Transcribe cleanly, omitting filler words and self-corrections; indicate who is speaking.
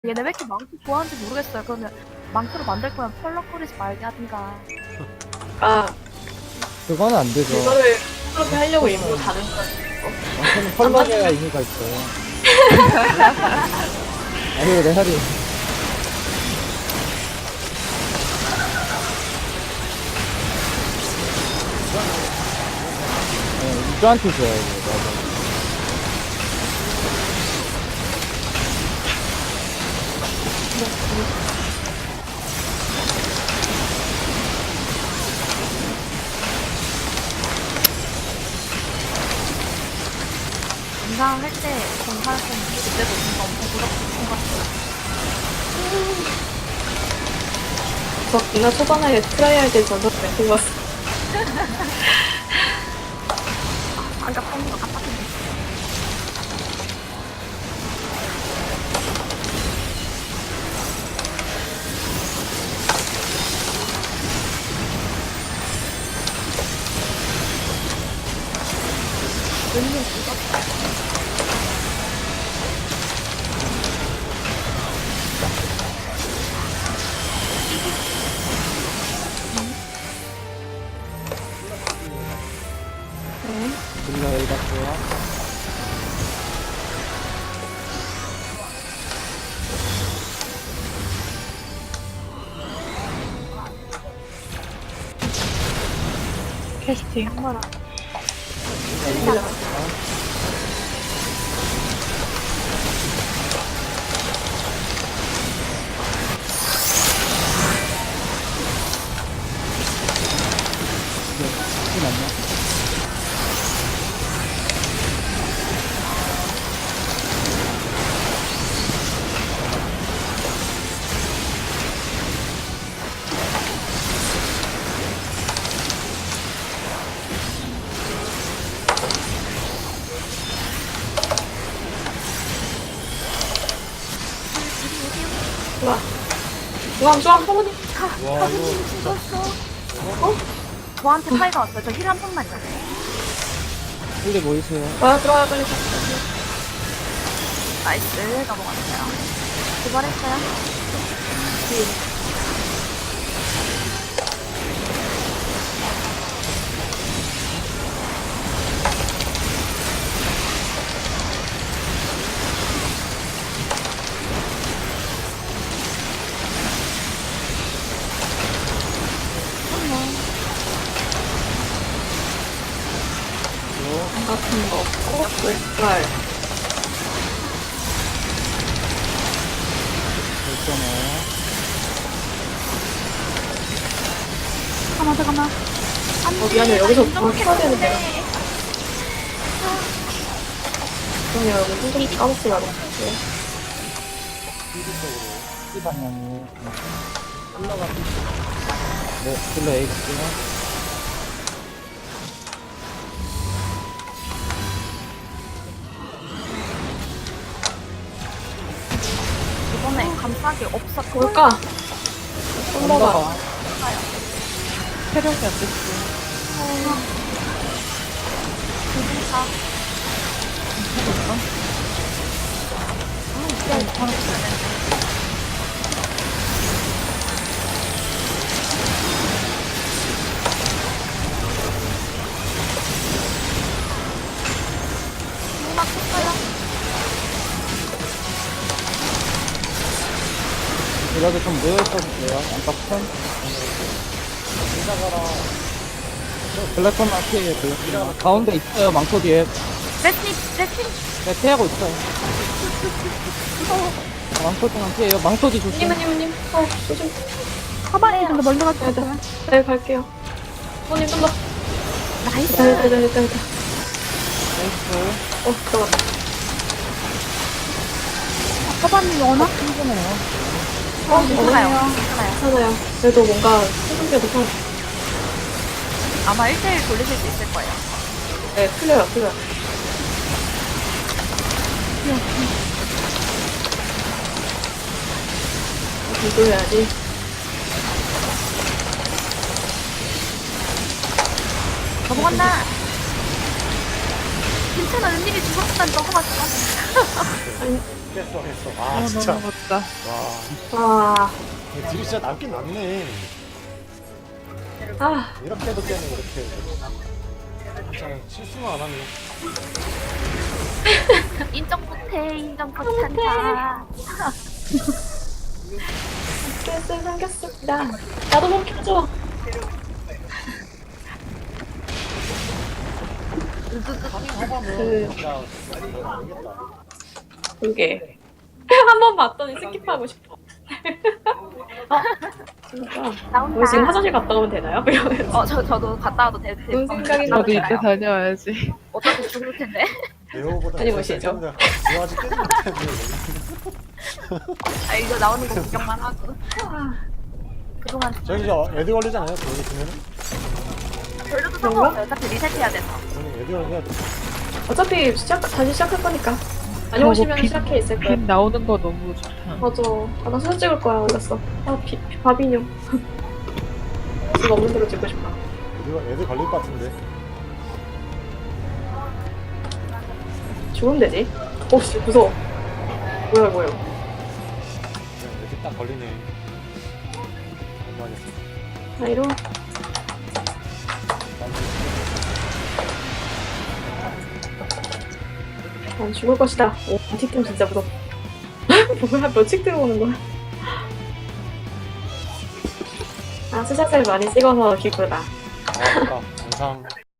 Speaker 1: 얘네 왜 이렇게 망토 좋아하는지 모르겠어요. 그러면 망토를 만들 거면 펄럭거리지 말게 하든가.
Speaker 2: 아,
Speaker 3: 그건 안 되죠.
Speaker 2: 그거를 그렇게 하려고 일부러 다른 거.
Speaker 3: 완전히 펄럭해야 의미가 있어요. 아니, 내 살이. 네, 유저한테 줘야 돼, 맞아.
Speaker 1: 인상할 때 정할 때 그때도 뭔가 엄청 부럽던 것 같아요.
Speaker 2: 저 누나 초반에 트라이 할 때 전설 멘트 봤어.
Speaker 1: 아까 뺀거 같았는데. 웬일 이거?
Speaker 3: 빌라 여기 갔고요.
Speaker 1: 캐스팅. 정말
Speaker 3: 이게 맞냐?
Speaker 2: 좋아. 중앙, 소문이.
Speaker 3: 와, 이거
Speaker 1: 죽었어. 어? 저한테 파이가 왔어요. 저 힐 한 번만요.
Speaker 3: 빨리 모이세요.
Speaker 2: 와, 들어와, 빨리.
Speaker 1: 나이스. 넘어갔어요. 도발했어요.
Speaker 2: 안 같은 거 없고, 왼발.
Speaker 3: 됐잖아요.
Speaker 1: 잠깐만.
Speaker 2: 미안해. 여기서
Speaker 1: 좀
Speaker 2: 뭘 쳐야 되는데.
Speaker 1: 했는데.
Speaker 2: 그럼요, 여기 손좀 까먹지 말고.
Speaker 3: 이 방향이. 흘러가. 네, 빌라 여기 갈게요.
Speaker 1: 이번에 감싸기 없어.
Speaker 2: 뭘까? 썸버가.
Speaker 1: 체력이 안 됐어. 두분다 막 쳤어요.
Speaker 3: 빌라도 좀 모여있어도 돼요. 안팎은. 블랙콘 앞에 블랙콘. 가운데 있어요, 망토 뒤에.
Speaker 1: 레스님.
Speaker 3: 네, 피하고 있어요. 망토 뒤만 피해요. 망토 뒤 조심.
Speaker 2: 님은, 조심.
Speaker 1: 가만히 있는데 멀리 가지
Speaker 2: 네, 네, 갈게요. 손님 좀 더.
Speaker 1: 나이스.
Speaker 2: 됐다.
Speaker 3: 나이스.
Speaker 2: 들어갔다.
Speaker 1: 서반님 워낙
Speaker 3: 힘드네요.
Speaker 1: 괜찮아요.
Speaker 2: 괜찮아요. 그래도 뭔가 생각보다 더
Speaker 1: 아마 1대1 돌리실 수 있을 거예요.
Speaker 2: 네, 틀려요. 이도해야지.
Speaker 1: 넘어간다. 괜찮아. 은밀히 죽었다니 넘어갔어.
Speaker 2: 아니,
Speaker 4: 했어. 아 진짜.
Speaker 5: 너무 멋다.
Speaker 4: 와.
Speaker 2: 아,
Speaker 4: 딜이 진짜 남긴 남네.
Speaker 2: 아,
Speaker 4: 이렇게 해도 깨네 이렇게 해도. 진짜 실수만 안 하네.
Speaker 1: 인정 못해, 인정 못한다.
Speaker 2: 스트레스 생겼습니다. 나도 좀 켜줘. 그,
Speaker 4: 야, 모르겠다.
Speaker 2: 그게. 한 번 봤더니 스킵하고 싶어. 진짜.
Speaker 1: 나온다.
Speaker 2: 우리 지금 화장실 갔다 오면 되나요? 이러면서.
Speaker 1: 저도 갔다 와도 될
Speaker 2: 무슨 생각이
Speaker 5: 나도
Speaker 2: 나요?
Speaker 5: 이때 다녀와야지.
Speaker 1: 어차피 죽을 텐데.
Speaker 4: 네오보다
Speaker 2: 아니, 보시죠.
Speaker 4: 네오 아직 깨지 못했네.
Speaker 1: 아, 이거 나오는 거 구경만 하고. 그동안
Speaker 4: 저기 저 애드 걸리잖아요. 저기 보면은.
Speaker 1: 돌려도
Speaker 2: 그런가?
Speaker 1: 상관없어요. 어차피 리셋해야 돼서.
Speaker 4: 저기 애드 걸려야 돼.
Speaker 2: 어차피 다시 시작할 거니까. 다녀오시면
Speaker 5: 빛-
Speaker 2: 시작해 있을 거야.
Speaker 5: 빛 나오는 거 너무 좋다.
Speaker 2: 맞아. 아, 나 사진 찍을 거야. 올렸어. 아, 바비뇽. 지금 없는 대로 찍고 싶어.
Speaker 4: 애드 걸릴 것 같은데.
Speaker 2: 죽으면 되지. 씨, 무서워. 뭐야, 뭐야.
Speaker 4: 애드 딱 걸리네. 공부하겠어.
Speaker 2: 나이로. 난 죽을 것이다. 오, 틱템 진짜 무섭다. 뭐야, 몇칙 들어오는 거야? 아, 스샷을 많이 찍어서 기쁘다.
Speaker 4: 아, 아까 영상